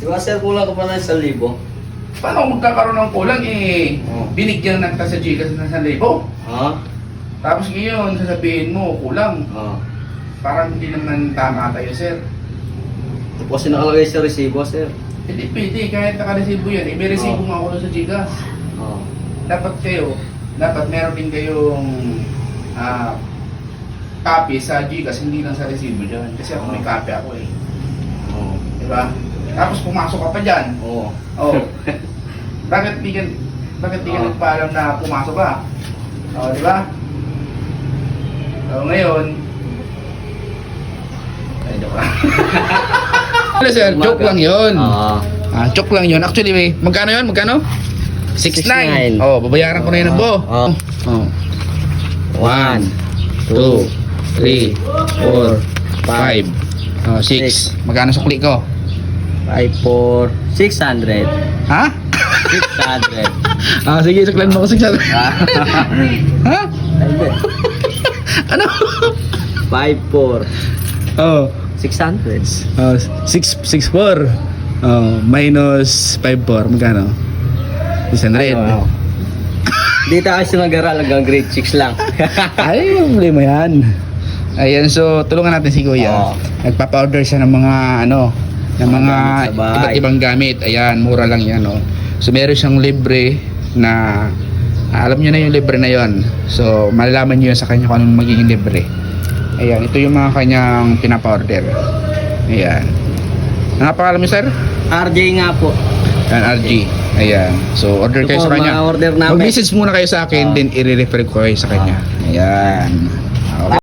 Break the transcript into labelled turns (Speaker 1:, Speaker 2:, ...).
Speaker 1: Di ba sir, kulang ka pa ng 1,000?
Speaker 2: Paano kung magkakaroon ng kulang eh,
Speaker 1: Oh.
Speaker 2: binigyan na kita sa Gcash ng 1,000.
Speaker 1: Ha?
Speaker 2: Tapos ngayon, sasabihin mo, kulang.
Speaker 1: Ah.
Speaker 2: Parang hindi naman tama tayo, sir.
Speaker 1: Ito po kasi nakalagay sa resibo, sir.
Speaker 2: Hindi pwede, kahit nakaresibo yan. Eh, may resibo
Speaker 1: Oh.
Speaker 2: nga ako doon sa Gcash.
Speaker 1: Ah.
Speaker 2: Dapat meron din kayong copy sa Gcash, hindi lang sa resibo dyan. Kasi ako may copy ako eh.
Speaker 1: Oo.
Speaker 2: Diba? Tapos pumasok ka pa dyan.
Speaker 1: Oo.
Speaker 2: Oh. Bakit di ka nagpaalam na pumasok ka? Oh, di ba? So, ngayon, ay, joke lang. Hello sir, joke lang yun. Joke lang yun. Actually, magkano yun? Magkano? 6,900.
Speaker 1: 6,900.
Speaker 2: Oh, babayaran ko na yun ng buo.
Speaker 1: Oh.
Speaker 2: Oh. 1, 2, 3, 4, 5, 6. Magkano sukli ko?
Speaker 1: 5 for 600.
Speaker 2: Ha?
Speaker 1: 600.
Speaker 2: Sige, suklan mo ko 600. Ha? Ano?
Speaker 1: 5 for
Speaker 2: Oh,
Speaker 1: 600.
Speaker 2: 664. Oh, minus 54. Magkano? 600.
Speaker 1: Ano? Dito kasi mag-aral hanggang grade 6 lang.
Speaker 2: Ay, problema yan. Ayan, so tulungan natin si Kuya.
Speaker 1: Oo.
Speaker 2: Nagpapa-order siya ng mga ng mga
Speaker 1: gamit sa bahay.
Speaker 2: iba't ibang gamit. Ayan, mura lang yan, oh. So meron siyang libre na alam niyo na yung libre na yon. So malalaman niyo sa kanya kung anong magiging libre. Ayan, ito yung mga kanyang pinapa-order. Ayan. Ano nga pangalan mo, sir?
Speaker 1: RJ nga po.
Speaker 2: Ayan, RG. Ayan. So order
Speaker 1: Ito
Speaker 2: kayo
Speaker 1: po,
Speaker 2: sa kanya.
Speaker 1: mga order namin.
Speaker 2: Mag-message muna kayo sa akin, then i-refer ko kayo sa kanya. Ayan.